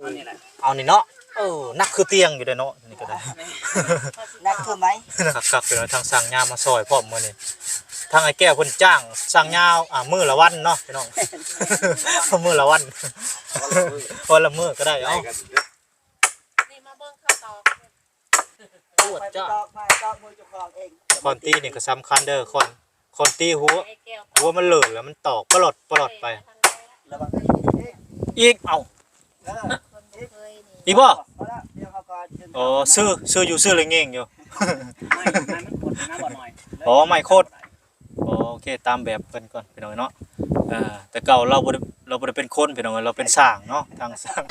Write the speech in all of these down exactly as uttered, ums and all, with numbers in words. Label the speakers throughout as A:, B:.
A: เอานี่เนาะเออนักคือเตียงอยู่เด้อเนาะนี่ก็ได้
B: นักคือไหม
A: คักๆเป็นทางสั่งยามาซอยพร้อมมื้อนี้ทางไอ้แก้วเพิ่นจ้างสั่งยาวอ่ามื้อละวันเนาะพี่น้องมื้อละวันวันละมื้อก็ได้เอ้า
C: นี่มาเบิ่งข้าวตอก
A: ปวดจ้า
B: ตอกมาตอกมือเจ้าของเอง
A: คอนตีนี่ก็สำคัญเด้อคนคนตีหัวหัวมันเหลือแล้วมันตอกปลอดปลอดไปอีกเอ้าอีบ่อ๋อซื้อซื้ออยู่ซื้อเลยเง่งอยู่อ๋อไม่โคตรโอเคตามแบบกันก่อนพี่น้องเนาะอ่าแต่เก่าเราบ่ได้เราบ่ได้เป็นคนพี่น้องเราเป็นสร้างเนาะทางสร้าง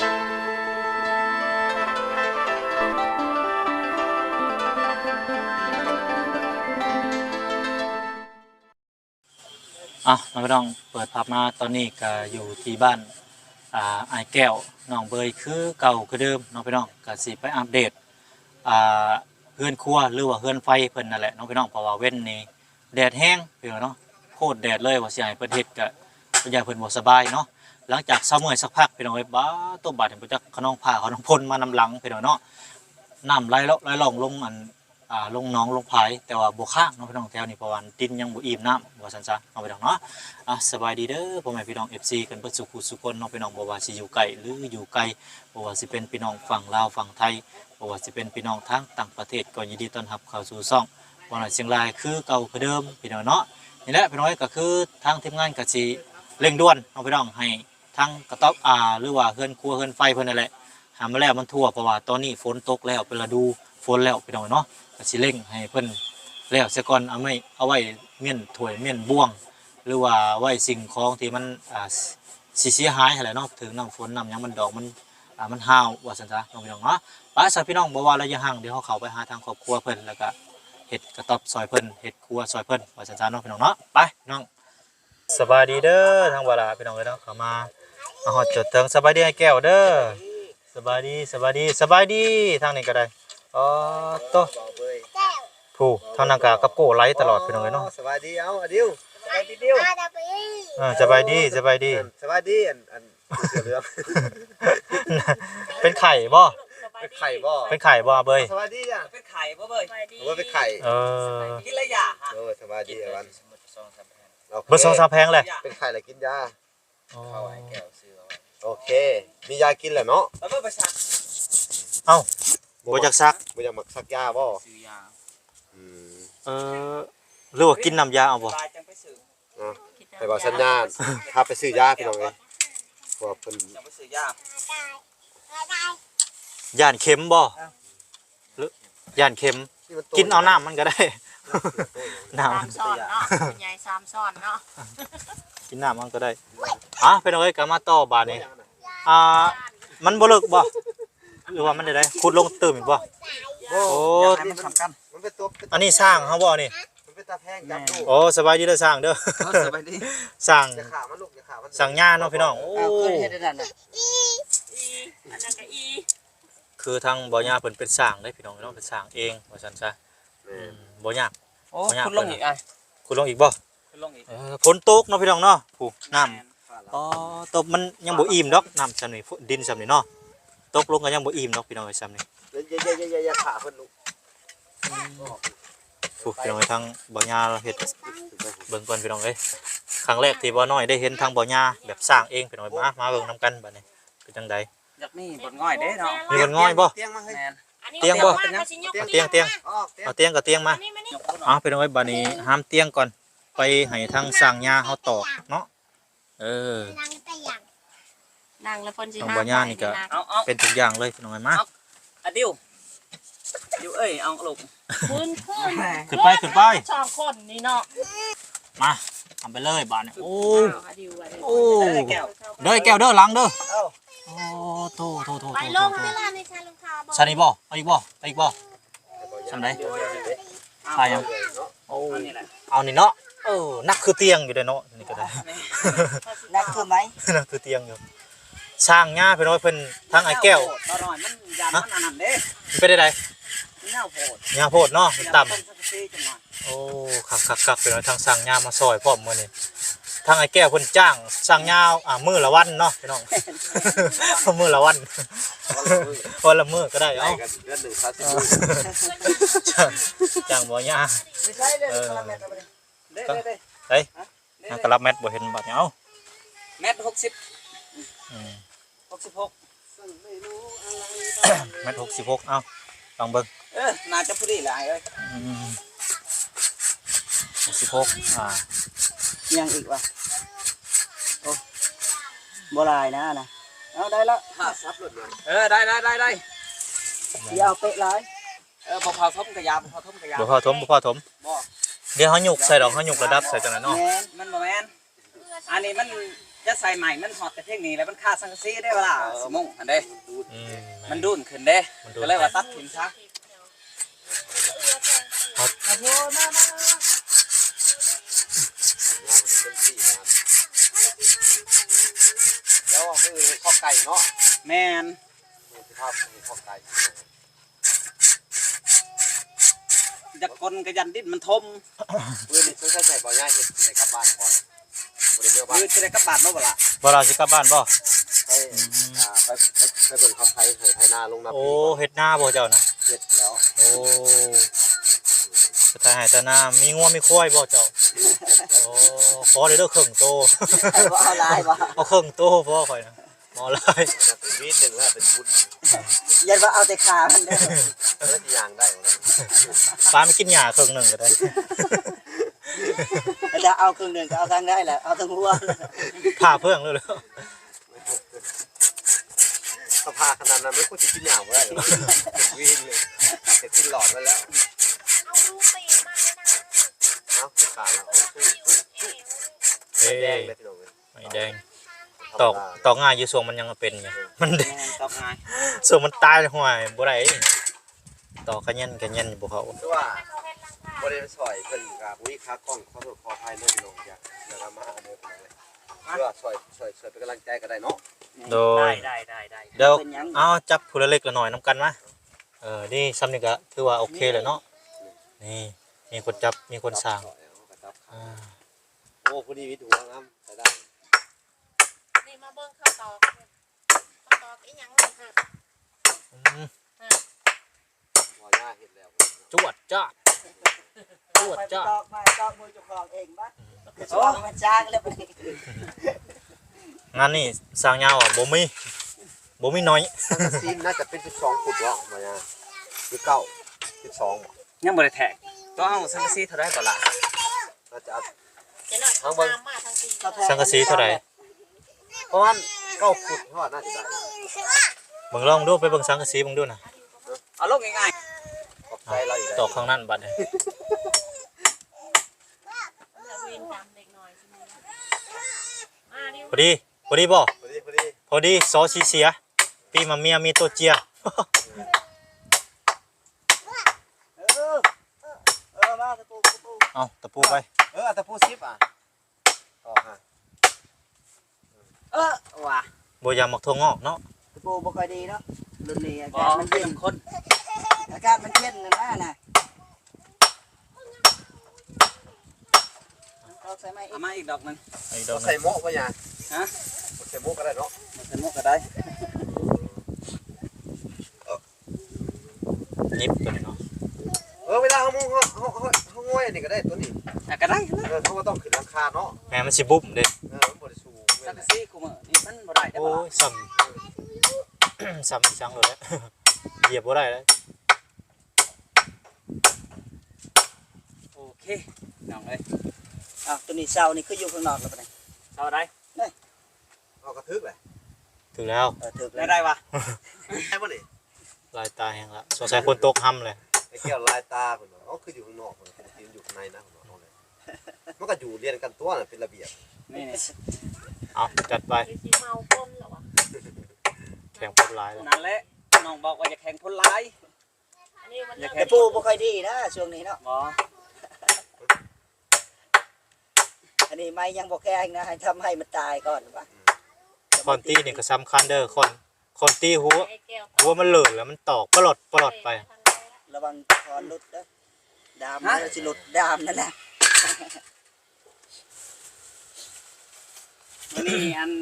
A: อ่ะน้องพี่น้องเปิดภาพมาตอนนี้ก็อยู่ที่บ้านอ่าไอ้แก้วน้องเบยคือเก่าคือเดิมน้องพี่น้องก็สิไปอัปเดตอ่าเฮือนครัวหรือว่าเฮือนไฟเพิ่นนั่นแหละน้องพี่น้องเพราะว่าเว้นนี้แดดแห้งพี่น้องเนาะโคตรแดดเลยว่าสิให้เพิ่นเฮ็ดก็เพิ่นอยากเพิ่นบ่สบายเนาะหลังจากเช้ามื้อสักพักพี่น้องเอ้ยบ้าต้มบาดเห็นบ่จักขนองผ้าขนองพ่นมานำหลังพี่น้องเนาะน้ำไหลไหลลงลงอันอ่าลงหนองลงผายแต่ว่าบ่ค้างเนาะพี่น้องแถวนี้เพราะว่าดินยังบ่อิ่มน้ำว่าซั่นซะเอาไปดอกเนาะอ่ะสบายดีเด้อพ่อแม่พี่น้อง เอฟ ซี กันเบิดสุขสุขคนเนาะพี่น้องบ่ว่าสิอยู่ไกลหรืออยู่ไกลบ่ว่าสิเป็นพี่น้องฝั่งลาวฝั่งไทยบ่ว่าสิเป็นพี่น้องทางต่างประเทศก็ยินดีต้อนรับเข้าสู่ช่องบ่ว่าเชียงรายคือเก่าคือเดิมพี่น้องเนาะนี่แหละพี่น้องก็คือทางทีมงานก็สิเร่งด่วนเนาะพี่น้องให้ทางกระต๊อบอ่าหรือว่าเฮือนครัวเฮือนไฟเพิ่นนั่นแหละหามาแล้วมันทั่วเพราะว่าตอนนี้ฝนตกแล้วเป็นฤดูฝนแล้วพี่น้องเนาะก็สิเร่งให้เพิ่นแล้วเสียก่อนเอาไม่เอาไว้เมี่ยนถ้วยเมี่ยนบ่วงหรือว่าไว้สิ่งของที่มันอ่าสิเสียหายหั่นแหละเนาะถึงน้ำฝนน้ำหยังมันดอกมันอ่ามันห้าวว่าซั่นซะน้องพี่น้องเนาะไปซะพี่น้องบ่ว่าระยะห่างเดี๋ยวเฮาเข้าไปหาทางครอบครัวเพิ่นแล้วก็เฮ็ดกระต๊อบซอยเพิ่นเฮ็ดครัวซอยเพิ่นว่าซั่นซะเนาะพี่น้องเนาะไปน้องสบายดีเด้อทางบ่ล่ะพี่น้องเอ้ยเนาะเข้ามามาฮอดจดถึงสบายดีให้แก้วเด้อสบายดีสบายดีสบายดีทางนี้ก็ได้อ๋อโตผู้ทางนากากับโก้ไลฟ์ตลอดพี่น้องเอ้ยเนาะ
D: สบายดีเอาอดิวสบายดีดิว
A: เออสบายดีสบายดี
D: สบายดีอันอันเสือเหลือง
A: เป็นไข่บ่
D: เป็นไข่บ่
A: เป็นไข่บ่เบย
D: สบายดีอ่ะ
B: เป็นไข่บ่เบย
D: หรือว่าเป็นไข่
A: เออ
B: กินระยะฮะ
D: เออสบายดีวัน
A: เบอร์สองสามแพงเลย
D: เป็นไข่อะไรกินยา
B: เข้าไอ้แก้วซื้อเอา
D: โอเคมียากินแหละเนาะ
B: แล้วก็ไปซัก
A: เอ้าบ่อยากซัก
D: บ่อยากมักซักยาบ่
B: ซื้อยา
D: อืม
A: เออหรือว่ากินน้ำยาเอาบ่
D: ไปบอกสัญญาณพาไปซื้อยาพี่น้องเอ้ยพวกเพิ่น
B: จะไปซื้อยา
A: ย่านเข็มบ่หรือย่านเข็มกินเอาน้ำมันก็ได้น้ำมัน
C: ซ้อนเนาะใหญ่สามซ้อนเนาะ
A: กินน้ำมันก็ได้อ่ะพี่น้องเอ้ยก็มาต่อบาดนี้อ่ามันบ่เลิกบ่หรือว่ามันได้ได้ขุดลงตื่มอีกบ่โอ้
B: มันสำคัญ
D: มันเป็นตัว
A: อันนี้สร้างเฮาบ่นี่
D: มันเป็นตาแพงจับดู
A: โอ้สบายดีเด้อสร้างเด้อ
B: สบายดี
A: สร้าง
D: อย่าขามันลูกอย่าขามัน
A: สร้างหญ้าเนาะพี่น้องโอ้
B: เคยเฮ็ดได้นั่นน่ะ
C: อีอันนั้นก็อี
A: คือทางบ่ย่าเพิ่นเป็นสร้างได้พี่น้องเนาะเป็นสร้างเองว่าซั่นซะอืมบ่ยาก
B: โอ้คุณลงอีกอ่ะ
A: คุณลงอีกบ่
B: คุณลงอีก
A: เออฝนตกเนาะพี่น้องเนาะผู้น้ำอ๋อตกมันยังบ่อิ่มดอกน้ำซำนี่ดินซำนี่เนาะตกลงก็ยังบ่อิ่มดอกพี่น้องไอ้ซำนี่
D: อย่าๆๆๆอย่าขาเพิ่นลูก
A: ผู้พี่น้องทางบ่ย่าเฮ็ดเบิ่งก่อนพี่น้องเอ้ยครั้งแรกที่บ่น้อยได้เห็นทางบ่ย่าแบบสร้างเองพี่น้องมามาเบิ่งนํกันบัดนี้เป็นจังได๋
B: อยากมีบนง่อยเด้เนาะ
A: มีบนง่อยบ่
D: เตียงมาให้
A: เตียงบ่เตียงเตียงเอาเตียงกับเตียงมาอ๋อพี่น้องเอ้ยบัดนี้ห้ามเตียงก่อนไปให้ทางสร้างหญ้าเฮาตอกเนาะเออ
C: นั่งแล้วเพิ่นสิ
A: ทางบ่ย่านี่ก็เป็นทุกอย่างเลยพี่น้องเอ้ยมา
B: อะดิวดิวเอ้ยเอาลูก
C: ขึ้นขึ้น
A: ขึ้นไปขึ้นไป
C: สองคนนี่เนาะ
A: มาทำไปเลยบาดนี้โอ้โอ้
B: แก้ว
A: เด้อแก้วเด้อหลังเด้อโอ้โตโตโต
C: ไปลงเวลาในชาลงคาบ่
A: ซานี่บ่เอาอีกบ่เอาอีกบ่ซำไดไปยังโอ้เอานี่เนาะเออนักคือเตียงอยู่เด้อเนาะนี่ก็ได้
B: นักคือไหม
A: นักคือเตียงอยู่สร้างหญ้าพี่น้อยเพิ่นทางไอ้แก้ว
B: บ่น้อยมันยามมันอันนั้นเด้
A: เป็นได้ได
B: หญ้าโพด
A: หญ้าโพดเนาะมันต่ำโอ้คักๆๆพี่น้อยทางสร้างหญ้ามาซอยพร้อมมื้อนี้ทางไอ้แก้วเพิ่นจ้างสร้างยาวอ่ามื้อละวันเนาะพี่น้อง มื้อละวันวันละมื้อก็ได้
D: ได้
A: เอ้า
D: กันเดือนหนึ่งสามสิบมื้อ
A: จ้างจ้างบ่ยา
B: ไม่ใช่เลยกะละแมตรเด้เด้เด้
A: เฮ้ยนางกะรับแมทบ่เห็นบัดนี้เอ้า
B: แมตรหกสิบ
A: อืม
B: หกสิบหก
A: แมทหกสิบหกเอ้าลองเบิ่ง
B: เออน่าจะพอดีหลายเอ้ย
A: อืมหกสิบหกอ่า
B: ยังอีกวะโอ้บ่หลายนะนะเอาได้ละ
D: ถ้าซับรถเนี่ย
B: เออได้ได้ได้ได้อย่าเอาเป๊ะหลายเออบ่พอทมกระยาบ่พอทมกระยา
A: บ่พอถมบ่พอถม
B: บ่
A: เดี๋ยวเฮาหยุกใส่ดอกเฮาหยุกระดับใส่จังนั้นเนาะ
B: แม่นมันบ่แม่นอันนี้มันจะใส่ใหม่มันฮอดแต่เทคนิคแล้วมันขาดสังกะสีได้เวลาสมงอันเด้
A: อืม
B: มันดุนขึ้นเด้
A: มันดุน
B: ก็เลยว่าตัดทิ้งซะ
D: แล้วมือข้อไก่เนาะ
B: แม่น
D: มือที่ภาพมือข้อไก่
B: จะกลกระยันดิ้นมันทม
D: มือนี่ซื้อใส่ใส่บ่ย่าเห็ดในกลับบ้านก่อนบ่ได้เมื่อบ้าน
B: ยืดจะได้กระบาดมาบ่ล่ะ
A: บ่เราสิกลับบ้านบ่
D: ไปอ่าไปไปไปเบิ่งเขาไทยให้ไทยนาลงนา
A: โอ้
D: ปี
A: เฮ็ดนาบ่เจ้าน่ะ
D: เฮ็ดแล้ว
A: โอ้สถานหายตานามีงัวมีควายบ่เจ้าโอ้ขอเด้อเด้อครึ่งโต
B: บ่เอาลายบ่
A: เอาครึ่งโตพอข่อยนะบ่หลาย
D: นะเป็นวีดหนึ่งแล้วเป็นบุญ
B: ยันว่าเอาแต่ขามันเด้อ
D: แล้วที่ยางได้หมดแล้ว
A: ปลาไม่กินหญ้าครึ่งหนึงก็ได้
B: จะเอาครึ่งหนึงก็เอาทางได้แหละเอาทั้งหัว
A: ผ่าเพิ่งเลยเลย
D: สภาขนาดนั้นไม่ควรจะกินยางบ่ได้หรอกเป็นวีดเลยแต่กินหลอดไว้แล้ว
C: เอาลูกไปมาให้นาง
D: เอ้าขาดแล้วเอาสู้สู้
A: เอ้
D: แดง
A: ย
D: เลยพี่น้องเอ้ย
A: ไม่แดงตอกตอกง่ายอยู่ส่วงมันยังเป็นอยู่มันแด
B: แม่
A: ง
B: นตอกง่าย
A: ส่วงมันตายห่วยบ่ได้ตอกกระเย็นกระเย็นบ่เข้า
D: คือว่าบ่ได้ไปซอยเพิ่นกับวิคากล้องขอโทษขออภัยเด้อพี่น้องจ้ะเดี๋ยวเรามาเอาเด้อพี่น้องเอ้ยเพื่อซอยซอยซอยเป็นกำลังใจก็ได้เนาะ
A: โดย
B: ได้ได้ได้
A: เดี๋ยว
B: เป็นหยัง
A: เอาจับผู้ละเล็กละน้อยนํกันมาเออนี่ซ้ำนี่ก็ถือว่าโอเคเลยเนาะนี่มีคนจับมีคนสร้างอ่า
D: โอ้พอดีวิทย์หัวงามใส่ได้
C: นี่มาเบิ่งข้าวตอกข้าวตอกอีหยังนี่ค่ะ
A: อืม
D: ว่าย่าเฮ็ดแล้ว
A: จวดจ้าจวดจ้า
B: ตอกมาตอกมือเจ้าของเองบ่โอ้มันจ้างแล้วบัดนี้
A: งานนี่สร้างยาวอ่ะบ่มีบ่มีน้อย
D: สังกะสีน่าจะเป็นสิบสองฟุตวะมาย่าหรือเก้าสิบสองบ่
B: ยังบ่ได้แทกต้องเอาสังกะสีเท่าไรก่อนล่ะ
D: น่าจะเอา
C: เดี๋ยวหน่อย
D: ทั้งเบิ่ง
C: ตามมาทางที
A: สังกะสีเท่าไหร่
D: ประมาณเก้าฟุตเท่าน่าจะได้
A: เบิ่งลองดูไปเบิ่งสังกะสีเบิ่งดูนะ
B: เอาลงง่าย
D: ขอบใจเราอีก
A: ต
D: แล้
A: อ
D: ว
A: กข้างนั้นบัดนี้
C: เอาวินตามเด็กหน่อยใช่ไหมมาดิ
A: พอดีพอดีบ่
D: พอดีพอดี
A: พอดีซอสีเสียปีมาเมียมีตัวเจีย
B: ๆเออเออมาตะปูตะปู
A: เอาตะปูไป
D: เออแต่พูดซิปอ่ะต่อฮะ
B: เออว่ะ
A: บ่อยากมักทั่วงอกเนาะ
B: ตะปูบ่ค่อยดีเนาะรุ่นนี้อาบ่กาศมัน เป็เย็
A: Dạ.
B: น
C: Dạ.
B: คนอากาศมันเย็นนะนะน่ะเอาใส่ไม้อีกมาอีกดอกนึง
A: ไอ้ดอก
D: ใส่
A: นั้น
D: โม่ป่ะย่า
B: ฮะ
D: ใส่โม่ก็ได้เนาะ
B: ใส่หมวกก็ได้
A: ยิบตัวนี้เนาะ
D: เออเวลาเขามุ่งเขาเขาเขาเขาง่อยอันนี้ก็ได้ตัวนี้
B: อ่ะก็ได้
D: เออเขาก็ต้องขึ้นราคาเนาะ
A: แม่มันสิบุ้มเด้
D: เออมันบริสูง
B: สังกะสีกูมื้อนี่มันบ่ได้ได้
A: โอ้
B: บ่ล่ะ
A: ยซ้ำ ซ้ำอีสังเลยแหละ เหยียบบ่ได้แล้ว
B: โอเคน้องเอ้ยอ้าวตัวนี้เช้านี่คืออยู่ข้างนอกแล้วปะเนี่ยเช้าได้
D: เอากระทึกเลย
A: ถึงแล้ว
B: เออถึกได้ได้วะ
D: ใช่ป่ะนี่
A: ลายตาแห้งละสงสัยคนตกห้ำเลย
D: ไอ้แก้วลายตาเหมือนอ๋อคืออยู่ข้างนอกเหมือนปกติมันอยู่ข้างในนะผมบอกเลยมันก็อยู่เรียนกันตัวน่ะเป็นระเบียบ
B: นี่นี่
A: เอาจัดไป
C: คือสิเมาก้นเหรอวะ
A: แข่งพบลายเลย
B: นั่นแหละน้องบอกว่าอย่าแข่งคนร้าย
C: อันนี้มัน
B: อย่า
C: เริ่
B: แข่
C: ม
B: งปูบ่ค่อยดีนะช่วงนี้เนาะบ่อันนี้ไม่ยังบ่แข็งนะให้ทำให้มันตายก่อนว่ะ
A: คอนตี้นี่ก็สำคัญเด้อคนคนตีหัว
C: ไอ้แก้ว
A: หัวมันเหลือแล้วมันตอกปลอดปลอดไป
B: ระวังคอนหลุดเด้อดามมันสิหลุดดามนั่นแหละมื้อนี้อัน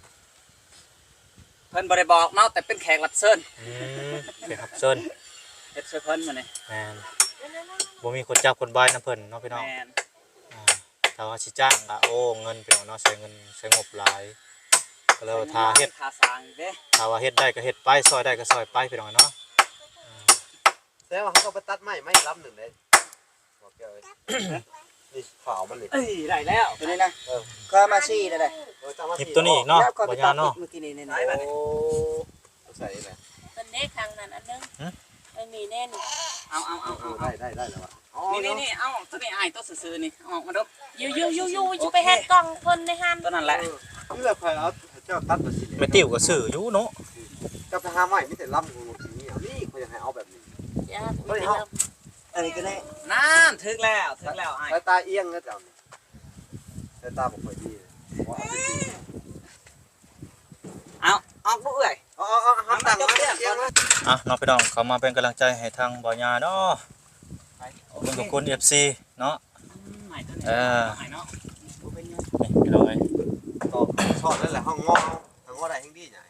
B: เพิ่นบ่ได้บอกเนาะแต่เป็นแขกรับเชิญ
A: อืมเดี๋ยวครับเชิญ
B: เฮ็ดช่วยเพิ่นมื้อนี้
A: แม่นบ่มีคนจับคนบายนํเพิ่นเนาะพี่น้อง
B: แม่น
A: อ่าถ้าว่าสิจ้างก็โอ้เงินพี่น้องเนาะใช้เงินใช้งบหลายก็เลยว่าถ้าเฮ็ด
B: ค่าสร้างอีกเด้
A: ถ้าว่าเฮ็ดได้ก็เฮ็ดไปซอยได้ก็ซอยไปพี่น้องเนาะ
D: แสดงว่าเขาก็ไปตัดไม้ไม้ลำหนึ่งเลยบอกเกี่ยวเลยนี่ขาวมันนี่
B: เอ้ยได้แล้วตัวนี้นะ
D: เออ
B: ก็มาซี่ได้ได้
D: เออจำมา
A: หยิบ
D: สิ
A: ตัวนี้อีกเนาะ
B: แล้วก็ไป
A: บ่
B: ตั
A: ยา
B: ด
A: เนาะ
B: เมื่อกี้นี่นี่
D: โอ้ใส่เลย
C: เป็นเด็กทางนั้นอันนึง
A: ฮะ
C: ไม่มีแน่น
B: เอาเอาเอา
D: เอ
B: เอา
D: อได้ได้ได้แล้ววะอ๋อ
B: นี่นี่นี่เอาตัวนี้อ้ายตัวซื่อๆนี่เอาออกมาดู
C: ยูยูยูยูจะไปเฮ็ดกล่องเพิ่นในหัน
B: ตัวนั้นแหละ
D: นี่แหละใครเอาเจ้าตัดมาสิ
A: แม่ติ๋วก็ซื้ออยู่เนาะ
D: จะไปหาไม้ไม่แต่ลำงูนี่เอานี่เขาอยากให้เอาแบบนี้
C: จ้า
D: เฮ้ยเฮา
B: อันนี้ก็ได้นั่นถึกแล้วถึกแล้วอ้าย
D: สายตาเอียงนะเจ้านี่สายตาบ่ค่อยดีว่าเอาไปดี
B: เอาออกลูกเอ้ย
D: เอาเอาเอาหันต่างมาเอียงมา
A: อ่ะน้องพี่น้องเขามาเป็นกำลังใจให้ทางบ่ยาเนาะ
B: ไป
A: ขอบคุณทุกคน เอฟ ซี เนาะ
B: ใหม่ตัวนี้
A: เออ
B: ใหม่เนาะบ่เป็นหยัง
A: นี่พี่น้องเอ้ย
D: ต่อชอดนั่นแหละห้องงอห้องงอได้แห่งดีใหญ่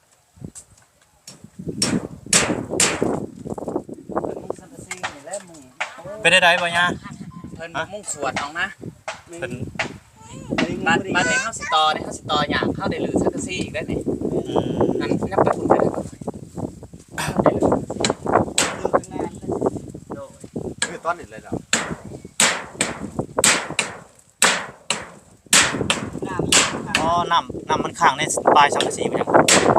B: เพิ่นมุ่งสังกะสีนี่แหละมุ่ง
A: เป็นได้ไดบ่ยา
B: เพิ่นบ่มุ่งสวดเอานะ
A: เป็น
B: บัดบัดนี้เฮาสิต่อนี่เฮาสิต่อหยังเฮาได้ลือสังกะสีอีกได้นี่
A: อืม
B: นั่นนับไปคุณไปได้บ่ได้ลือสังกะสีโดย
D: คือตอนนี้เลยแล้ว
B: น้ำอีกครับ
A: อ๋อน้ำน้ำมันขังในปลายสังกะสีไปยัง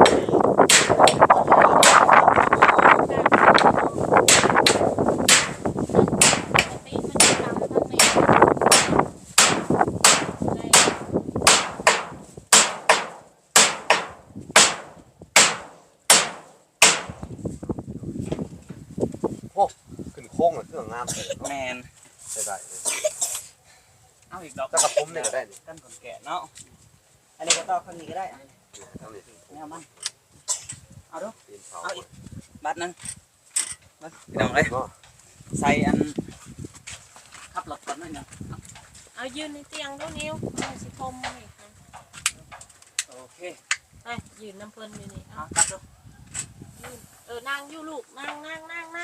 D: ขึ้นโค้งเลยเครื่องงามเลย
B: แม่น
D: ใช่ได้เลย
B: เอาอีกดอก
D: ถ้ากระผมนี่ก็ได้นี่
B: กันคนแก่เนาะอันนี้ก็ต่อข้างนี้ก็ได้
D: ทั้งนี้
B: แนวมันเอาดู
D: ตีนเสา
B: เอาอีกบัดหนึงมาพี่น้องเอ้ย
D: เนาะ
B: ใส่อันขับรถก่อนหน่อยหนึง
C: เอายืนในเตียงดูนิ้วเอาสิคมนี่ค่ะ
B: โอเค
C: ไปยืนน้ำเพิ่นอยู่นี่
B: เอา
C: เอา
B: ตัดดู
C: ยืนเออนั่งอยู่ลูกนั่งนั่งนั่งนั่ง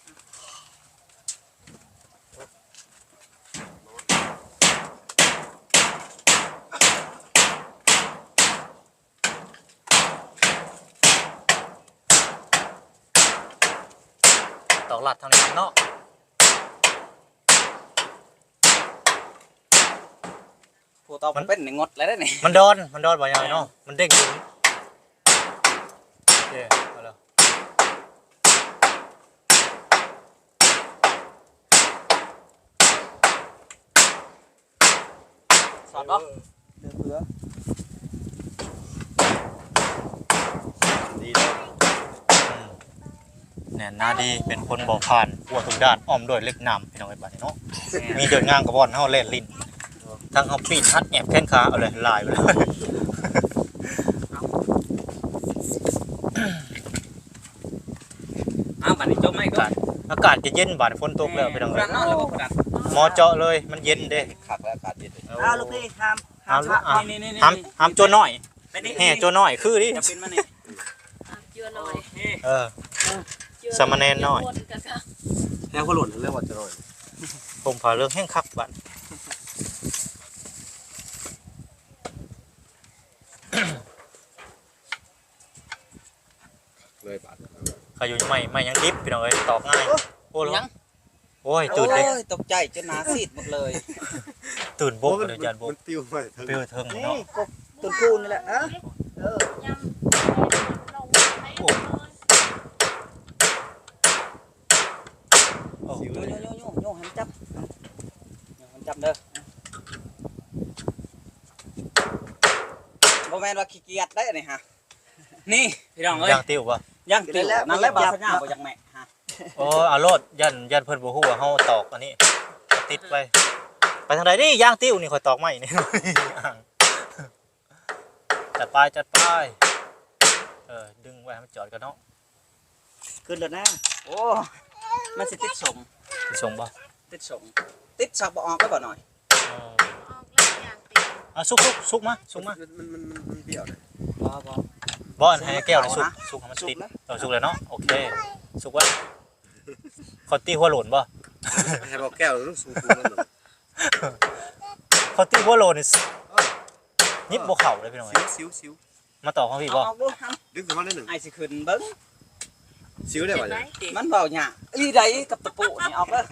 A: ตอกหลัดทางนี้เนาะ
B: ผู้ต่อมันเป็นในงดแล้วได้นี่
A: มันดอนมันดอนบ่ยาเนาะมันเด้งอยู่เย้เอาแล้ว
B: สอดบ่
D: เดือเผือ
A: ดีเลยอืมแน่นหน้าดีเป็นคนบ่ผ่านหัวทุกด้านอ้อมด้วยเล็กน้ำพี่น้องไอ้บ้านนี่เนาะมีเดินงางกับบอลเฮาเล่นลิ้นทั้งเฮาปีนฮัดแอบแข้งขาเอาเลยลายไปเลย
B: เอาบัดนี้จบไหมก็
A: อากาศจะเย็นบาดฝนตกแล้วพี่น้อง
B: เอ้
A: เอ้
B: ย
A: ย
B: นอนแล้วบ่กระดัน
A: หมอเจาะเลยมันเย็นเด้
D: ขักและอากาศเย็นเลย
B: เอาลูกพี่ห้าม
A: ห้ามอ่ะ
B: นี่นี่นี่
A: ห้ามห้ามโจรน้อย
B: ไปนี่
A: แห่โจรน้อยคือดิ
B: จะเป็นมานี่
C: อ่ะเจือหน่
B: โอ
C: อย
B: เค
A: เออ
C: เจือ
A: สามเณรน้อย
C: เจืคนกะกะ
D: แล้วก็หล่นเรื่องว่าจะหน่อย
A: ผมผ่าเรื่องแห้งคักบัด
D: เลยบาด
A: ใครอยู่ใหม่ใหม่ยังดิบพี่น้องเอ้ยตอกง่ายโอ้ย
B: ยัง
A: โอ้ยตื่นเลย
B: โอ้ยตกใจจนหน้าซีดหมดเลย
A: ตื่นบกเลยจานบก
D: มันปิ้วไปถึง
A: เปรี้ยวเทิง
B: นี่
A: เนาะ
B: กบต้นคูนี่แหละอ่ะเออย
C: ำลงไปเลย
A: โอ้โห
B: โยโยโยโยโยหันจับโยหันจับเด้อบ่แม่นว่าขี้เกียจได้อันนี่ฮะนี่พี่น้องเอ้ย
A: ย่างติ้วป่ะ
B: ย่างติ๋วนั่นแหละบ่สัญญาบ่อยากแม่ฮะ
A: โอ้เอารถยันยันเพิ่นบ่ฮู้ว่าเฮาตอกอันนี้ติดไปไปทางใดนี่ย่างติ้วนี่ข่อยตอกไม้นี่ จัดไปจัดไปเออดึงไว้ให้มันจอดกันเนาะ
B: ขึ้นแล้วนะโอ้มันสิติดสม
A: ส่งบ่
B: ติดสมติดสักบ่ออกก็บ่หน่อย
A: อ๋อ
C: ออกแล้วอย่างติด
A: เอาสุกสุกสุกมาสุกมา
D: มันมันมันมันเปรี้ยวนะ
B: บ่บ่
A: บ่อนให้แก้วเลยสุกสุกให้มันติดเออสุกเลยเนาะโอเคสุกไว้คอตตี้หัวโหลนบ่
D: ให้บอกแก้วต้องสูงๆนั่นน่ะ
A: คอตตี้หัวโหลนนี่ยิบบ่เข้าเลยพี่น้อง
D: ซิวซิวซิว
A: มาต่อของพี่
B: เอา
A: บ่
B: เอาดูท
D: ดึงขึ้นมาได้หนึ่ง
B: ำไอ้สิขึ้นเบิ่ง
D: ซิวได้
C: เห็
D: ป่ะ
C: นไหม
D: เนี่ย
C: ติ
B: มันเบาหยาอีใดกับตะปูนี่ออกเด้อ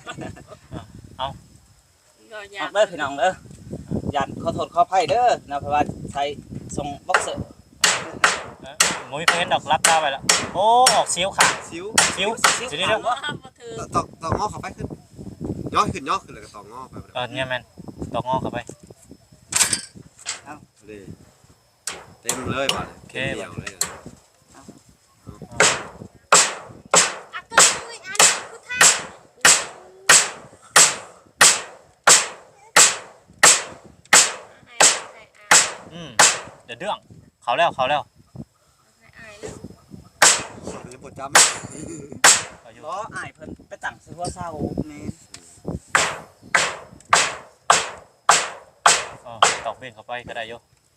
C: ก็ยา
B: ออก กเด้อพี่น้องเด้อยันขอโทษขออภัยเด้อนะเพราะว่าใช้ทรงบ็อกเซอร์
A: หมุ้ยเพิ่นดอกรับดาวไปแล้วโอ้ออกเสียวขา
D: ซิว
A: เสียวเดี๋ยวเดี๋ยว
C: ว่าบ่ถือ
D: ตอกตอกงอเข้าไปขึ้นย่อขึ้นย่อขึ้นเลยก็ตอกงอไป
A: เออเนี่ยแม่นดอกงอกเข้าไป
D: เลยเต็มเลยป่ะเต็มเดียวเลย
C: อ่ะก็คุยอันกูท่าให้ให้อาย
A: อืมเดี๋ยวเรื่องเขาแล้วเขาแล้ว
C: ให้อายแล้ว
D: จะปวดจำ
A: เขาอยู่
B: บ่อ้ายเพิ่นไปตั้งซื้อหัวเสาแม่น
A: อ๋อตอกเบ่งเข้าไปก็ได้โย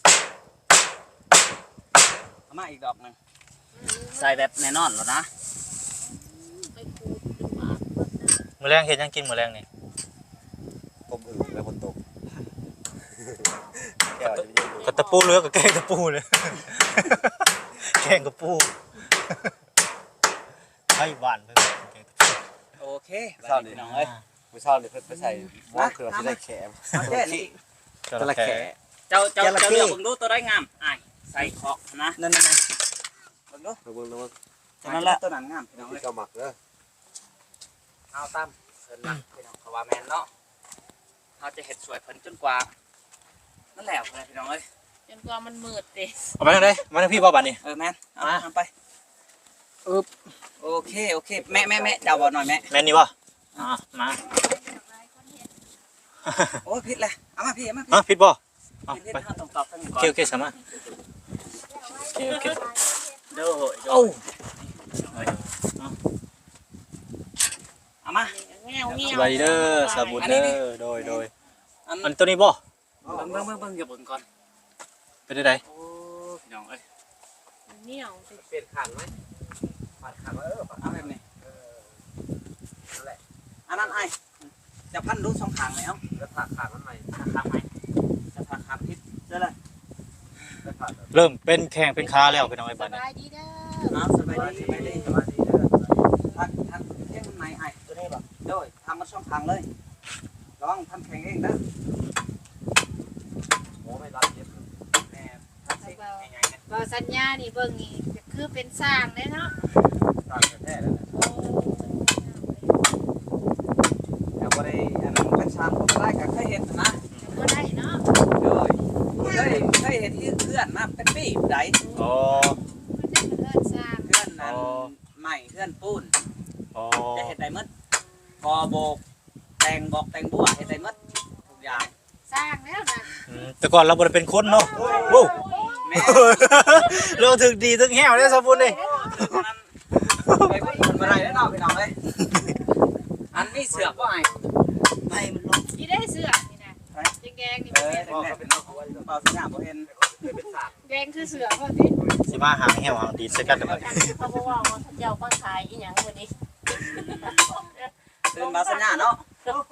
B: เอามาอีกดอกหนึงใส่แบบแน่นอนแล้วนะ
C: ไปขูดดูว่าเพิ่นน่ะ
A: มื้อแรงเฮ็ดหยังกินมื้อแรงนี่
D: ผมอึ่งแล้วคนตกแก้วจะไม่ยืน
A: กับตะปูเลือกับแกงตะปูเลย แกงกระปูให้บ้านเพิ่นแกงตะปู
B: โอเคบัดนี้พี่น้องเอ้ย
D: ไม่ชอบเลยเพิ่นไปใส่หม้อคือเราที่ได้แขม
B: เอาแค่นี้
A: จระเข้
B: เจ้าเจ้า
D: จระเข้
B: เจ้าเลือกเบิ่งดูตัวได้งามอ้ายใส่เคาะนะนั่นๆๆเบิ่งดู
D: เบิ่งนะว่า
B: ตัวนั้นแหละตัวนั้นงามพี่น้องเอ้ย
D: เจ้าหมักเด้อ
B: เอาตามเพิ่นนะพี่น้องเขาว่าแม่นเนาะเราจะเฮ็ดสวยเพิ่นจนกว่านั่นแหละเพิ่นพี่น้องเอ้ย
C: จนกว่ามันมืดติ
A: เอาไปทางไหนมาทางพี่บ่บัดนี้
B: เออแม่นเอา
A: มา
B: ทำไปอึบโอเคโอเคแม่แม่แม่เจ้าบ่หน่อยแม่
A: แม่นนี่บ่อ่ามา
B: โอ้ยผิดเลยเอามาพี่เอามาพี่
A: อ่ะผิดบ่เอา
B: ผิด
A: ไป
B: ๆเฮาต้องตอบทางนี้
A: โอ
B: ก่อน
A: เคโอเคสามารถโอเคโอเค
B: เด้อโหย
A: โอ้
B: เอามา
C: แง่วเงี้
A: ส
C: ยว
A: บายดีเด้อสาบุญเด้อโดยโดย
B: อัน
A: อันตัวนี้บ่
B: เบิ่งเบิ่งเบิ่งเบิ่งอย่าเบิ่งก่อน
A: เป็นได้ได
B: โอ้พี่น้องเอ้ย
C: มันเหนียวติ
D: เปลี่ยนขันไหมผัดขันเออ
B: เอาแบบนี้
D: นั่นแหละ
B: อันนั้นไอ้จะพันดูสองข้างไหมเอ้า
D: แล้วผัดขันมันใหม่
B: ข้างไหมจะพักข้างผิดได้เลย
D: แล้วผัด
A: เริ่มเป็นแข่งเป็นค้าแล้วพี่น้องไอ้
C: ส
A: บัดนี้
C: บายดีเด้อ
B: เอาสบายดีสบายดี
D: สบายดีเด้อ
B: ทักทักเองไหนไอ้ตัวนี้บ่โดยทำมาสองข้างเลยลองทำแข่งเองนะ
D: โอ้ไม่รับเย็บ
B: แม่ทำสิง่ายๆนะ
C: บ่สัญญานี่เบิ่งนี่ก็คือเป็นสร้างเด้เนาะ
D: ตามแท้แล้วนะ
C: โอ้
B: แต่บ่ได้อันนั้นเป็นชามก็ได้ก็เคยเห็นนะ
C: บ่ได้เนาะ
B: โดยเคยเคยเห็นที่เพื่อนมาเป็นปีใด
A: อ๋อ
C: มันได้เลิศสร้าง
B: เพื่อนนั้น
A: อ๋อ
B: ใหม่เพื่อนปูน
A: อ๋อ
B: จะเห็นได้หมดกอโบกแต่งบอกแต่งบัวเห็นได้หมดทุกอย่าง
C: สร้างแล้วนะ
A: อืมแต่ก่อนเราบ่ได้เป็นคนเนาะโว้
B: แม่
A: เราถึงดีถึงแห้วได้สาบุญนี่
B: นั้นไปพูดคนมาไรแล้วเนาะพี่น้องเอ้ยอันนี้เสือกว่าไงไม่มันลง
C: นี่ได้เสื้อนี่นะแดงๆนี่
B: เอ
C: บ่
B: อ
C: เห็น
B: แดงๆเป็นเอาไว้เปล่าสัญญาบ่เห็น
D: เป็นสาก
C: แดงคือเสื้อพอดี
A: สิมาหางแห้วหางดีใส่กันเด้อบัดนี้
C: เขาบอกว่าเจ้าก็ขายอีหยังวันนี้
B: ตื่นมาสัญญาเนาะ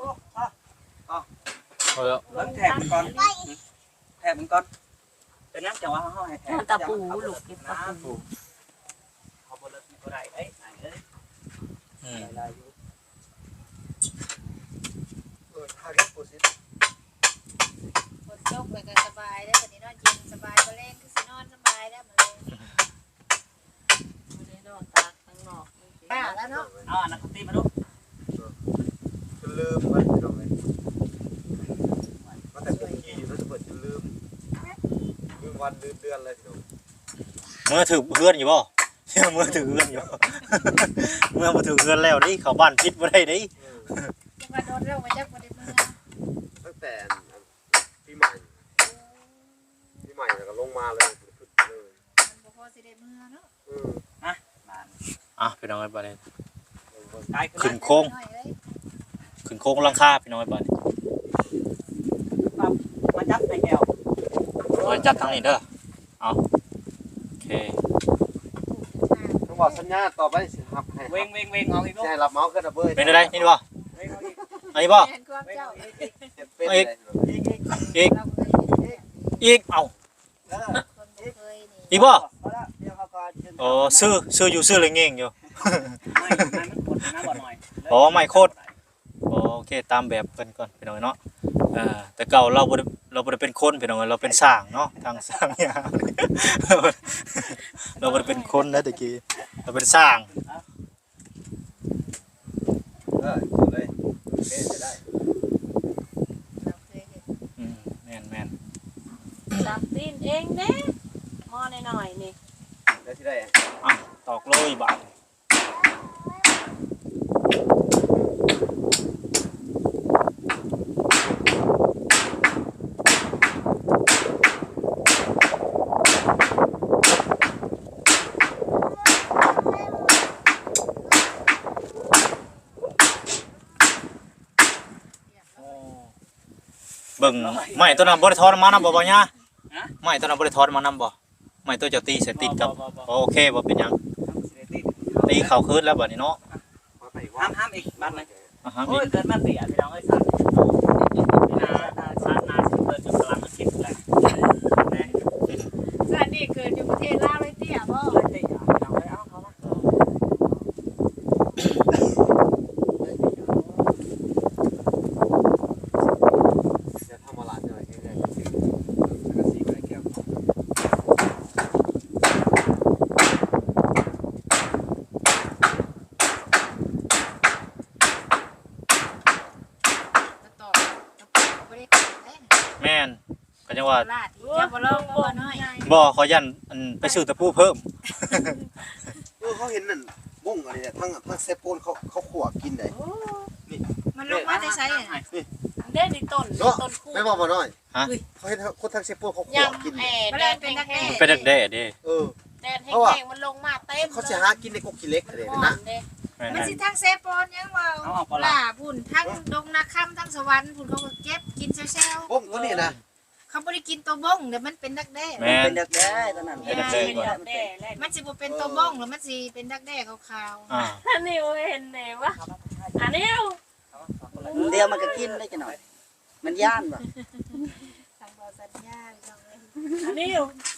A: เอาแล้ว
B: เบิ่งแถบมันก่อนแถบมันก่อนเป็นยังจังว่าเฮาให้แถบ
C: ตะปูลูกเก็บตะปู
B: เขาบ่เลิกนี่บ่ได้เอ้ยไหนเอ้ย
A: อืม
B: ได้อยู่
D: เออทาเก็บปูซิ
C: ฝนตกไปก็สบายแล้ววันนี้นอนเย็นสบายบ่แรงคือสินอนสบายแล้วมื้อนี้บ่ได้นอนตากข้างนอกป้าแล้วเนาะ
B: เอาอันนั้นตีมาดู
D: จนลืมไว้พี่น้องเลยมาแต่เป็นขี้อยู่แล้วจะเปิดจนลืมลืมวันลืมเดือนเลยพี่น้อง
A: เมื่อถือเพื่อนอยู่บ่ เมื่อถือเพื่อนอยู่ เมื่อบ่ถือเพื่อนแล้วนี่เข้าบ้านปิดบ่ได้เด้
C: จะมาโดนเรื่องมาจากบ่ได้เมื่อ
D: ตั้งแต่ปีใหม่ปีใหม่แล้วก็ลงมาเลยขึ้นเลย
C: มันบ่พอสิได้เมื่อเนาะ
D: เออ
A: อ่ะพี่น้องไอ้บัดนี้
B: กาย
A: ขึ้นโค้ง
C: น้อยเอ้ย
A: ขึ้นโค้งหลังคาพี่น้องไอ้บัดนี้
B: มาจับในแก้ว
A: อยจัดทางนี้เด้อเอาโอเค
D: ต้องบอกสัญญาต่อไปสิครับให้
B: เวงเวงเวงเอาอีกลูก
D: ให้รับเมาส์ขึ้นระเบิด
A: เป็นอะไรนี่บ่
B: เวงเอาอีก
A: อันนี้บ่
C: แม่นความ
B: เวง
C: เจ้า
B: เอาอีก
D: เจ็บเป็นเลย
A: อีก
C: เราเคยเห็น
A: อีกเอา
C: คนบ่เคยนี่
A: อีกบ่
B: เอาละเดี๋ยวเขาก็จะ
A: โอ้ซื้อซื้ออยู่ซื้อเลยเง่งอยู่
B: ไม่ไม่มันกดนะบ่หน่อย
A: อ๋อไม่โคตร โอเคตามแบบเพิ่นก่อนพี่น้องเนาะอ่าแต่เก่าเราบ่ได้เราบ่ได้เป็นคนพี่น้องเราเป็นสร้างเนาะทางสร้างยามเราบ่ได้เป็นคนนะตะกี้เราเป็นสร้าง
D: เออเลยเอ๊ะจะได้
C: เราเคยเห็น
A: อืมแม่นแม่น
E: จับตีนเองเด้หม้อหน่อยๆนี่
D: ได้ที่ได้
A: อ่ะตอกเลยบาด เบิ่งไม้ตัวนั้นบ่ได้ทอดมานำบ่บ่ย่าไม้ตัวนั้นบ่ได้ทอดมานำบ่ไม้ตัวเจ้าตีใส่ติดกับโอเคบ่เป็นหยังตีเข้าคืนแล้วบัดนี้เนาะ
D: มาไปอีกว่า
B: ห้ามห้ามอีกบ้านไหม
A: อ่ะฮะ
B: โอ้ยเกิดมาเสียพี่น้องไอ้สัตว์นานาชาตินาสิเปิดจุดกลางมันคิดแหละ
C: สันนี่เกิดอยู่ประเทศลาวเลยเตี้ยบ่
B: เลยเตะพี่น้องเลยเอาเขามา
D: จะทำมาลาดหน่อยแค่ๆกระสีไว้แก้ว
C: กระตอกกระตอกบ่ได้เอ้ย
A: แม่นก็จังว่า
C: ลาดอีกเจ้าบ่ลองบ่น้อย
A: บ่ขอยันอันไปซื้อตะปูเพิ่ม
D: เออเขาเห็นนั่นมุ่งอะไรเนี่ยทั้งทั้งเซปโปนเขาเขาขวบกินได้
C: มันลงมาได้ใช้อ่ะ
E: เด้นี่ต้น
D: เนาะ
E: ต้นคู่
D: ไม่บอกมาหน่อย
A: ฮะ
D: เขาเห็นคนทั้งเซปโปนเขาขวบ
E: ยำ
D: กิน
E: แอ
C: มัน
E: แด
C: เลย
E: ด
C: เป็นนัก
E: แห้
C: แด้
E: ง
A: ไปดักแด้เด้
D: เออ
E: แดดแห้
D: เพราะว่า
E: งๆมันลงมาเต็ม
D: เขาจะหากินในกกขี้เล็กอะไร
E: ห่อ
D: นะ
E: นเด้
A: แม่น
C: มัน
A: แม่น
C: สิทั้งเซปอนยังว่าล่าพุ่นทั้งดงนาค่ำทั้งสวรรค์พุ่นเขาก็เก็บกินแซว
D: บ้งตัวนี้นะ
C: ๆเขาบ่ได้กินตัวบ้งเดี๋ยวมันเป็นดักแด้
A: แม่น
B: เป็นเด็กแด้ตอนนั้น
A: เป็นเด็กแด้ก่อน
E: แด้แล้
C: มันสิบ่เป็นตัวบ้งหรือมันสิเป็นดักแด้ขาว
A: อ่า
E: อันนี้เห็นไหนวะอันนี้
B: เดียวมันก็กินได้จะหน่อย มันย่านป่ะ
C: ๆทางบ่สัญญาพี่น้องเอ้ย
E: อันนี้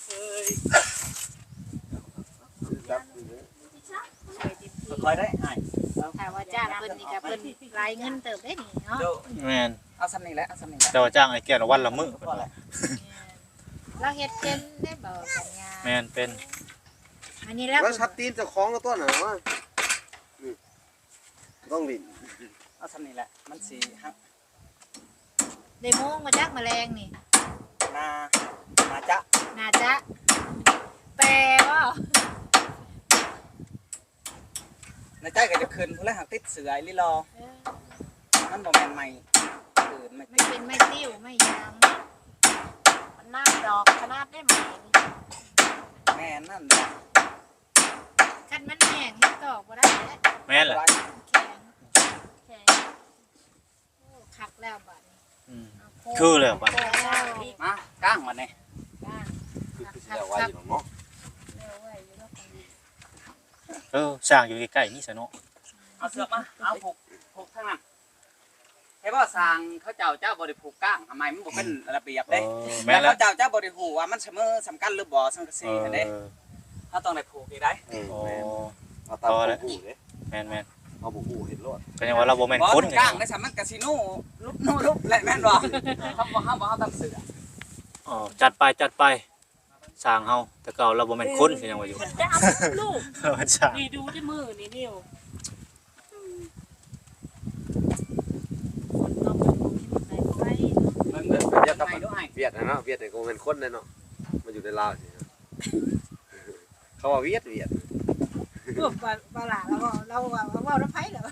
C: ช่วยดิบ
B: คอยได้ไอ้
C: ถ้าว่าจ้างเพิ่นนี่ก็เพิ่นรายเงินเติบได้นี่เนาะ
B: เดี๋ยว
A: แม่น
B: เอาซ้ำนี่แหละเอาซ้ำนี่แหละ
A: แต่ว่าจ้างไอ้แก้วละวันละมื้อเพิ่นว่า
C: เราเฮ็ดเป็นได้บ่สัญญา
A: แม่นเป็น
C: อันนี้แล้ว
D: แล้วชัดตีนเจะคล้าของกับต้นน่ะว่านี่ต้องลิ้น
B: เอาซ้ำนี่แหละมันสีฮัก
C: ได้โมงมาจักแมลงนี่
B: นานาจะ
C: น่าจะแต่ว่า
B: ในใจก็จะคืนผู้แรกหักติดเสือไอ้ลิรอ
C: เออ
B: มันบ่แม่นใหม่คืนไม่
C: ไม่เป็นไม่ติ้วไม่ยาง
E: มันน้ำดอกขนาดได้ไหม
B: แม่นั่น
C: คันมันแห้งเฮ็ดตอกบ่ได้แล้ว
A: แม่นแหละ
C: แข็ง
E: แข็ง
C: โอ้คักแล้วบัดนี้
A: อืม
C: เอาโ
A: คือแล้วบัด
C: โค้งแล้ว
B: มาก้างมันนี่
C: ย่าง
D: คือคือสิเอาไว้อยู่เนาะ
C: เร็วไว้อยู่แล้วคนนี้
A: เออสร้างอยู่ใกล้ๆนี่ซะเนาะ
B: เอาเสือกมาเอาผูกผูกทั้งนั้นเฮ้ยว่าสร้างเขาเจ้าเจ้าบริผูกก้างทำไมมันบ่เป็นระเบียบ
A: เอ
B: เด้
A: อ
B: แล้
A: แม่น
B: ว
A: แล้ว
B: เขาเจ้าเจ้าบริหูว่ามันเสมอสำคัญหรือบ่สังกะ
A: เอ
B: สี
A: อ
B: เด้เขาต้องได้ผูกอีกได้
D: เออ
A: โอ้
D: แม่นเอาตามบ่ฮู้เด้
A: แม่นแม่น
D: เอาบ่ฮู้เห็นรถ
A: ก็ยังว่าเราบ่แม่น
B: บ่
A: คน
B: ถูก
A: ไง
B: ก้างได้สามันกะสิโน่ลุกโน่ลุกแหละแม่นบ่เขาบ่เฮาบ่เฮาตามเสือ
A: อ๋อจัดไปจัดไปสร้างเฮาแต่เก่าเราบ่แม่นคนก็ยังว่าอยู่
E: มันจะเอาลูก
A: เราเป็นสร้าง
E: นี่ดูที่มือนี่นิ้ว
C: คนต้องไปไป
B: เบิ่งเด้อ
D: เวียด
B: ทำ
D: กับ
B: ไมด้วย
D: เวียดนะเนาะเวียดนี่ก็บ่แม่นคนเลยเนาะมาอยู่ในลาวสิเขาว่าเวียดเวียด
C: เออปลาปลาหลาแล้วก็เราว่าว่าน้ำไผ่เหรอ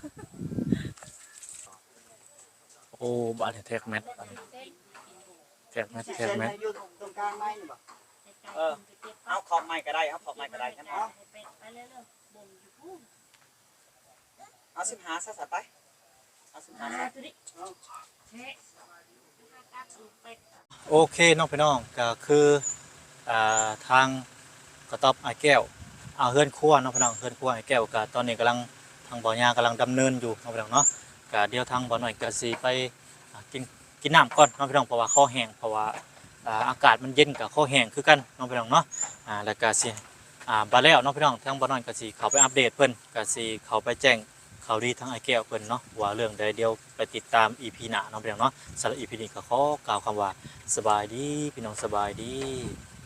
A: โอ้บาดแท็กแมทแท็กแมทแท็กแมท
B: อยู่ตรงกลางไม้นี่บ่เออเอาขอบไม้ก็ได้เอาขอบไม้ก็ได้งั้นเอา
E: ไปเรื่อยๆบ่งอยู่พูด
B: เอาสิบหาซะซะไปเอาสิบหา
E: มา
B: ซะ
E: ตัวนี้
C: เฮ้ย
A: โอเคน้องพี่น้องก็คืออ่าทางกระต๊อบไอ้แก้วเอาเฮือนครัวน้องพี่น้องเฮือนครัวไอ้แก้วก็ตอนนี้กำลังทางบ่อยากำลังดำเนินอยู่น้องพี่น้องเนาะก็เดี๋ยวทางบ่อหน่อยก็สิไปอ่ากินกินน้ำก่อนน้องพี่น้องเพราะว่าคอแห้งเพราะว่าอ่าอากาศมันเย็นกับคอแห้งคือกันน้องพี่น้องเนาะอ่าแล้วก็สิอ่าบาแล้วน้องพี่น้องทางบ่อหน่อยก็สิเข้าไปอัปเดตเพิ่นก็สิเข้าไปแจ้งข่าวดีทางไอ้แก้วเพิ่นเนาะว่าเรื่องใดเดี๋ยวไปติดตาม อี พี หน้าน้องพี่น้องเนาะสำหรับ อี พี นี้ก็ขอกล่าวคำว่าสบายดีพี่น้องสบายดี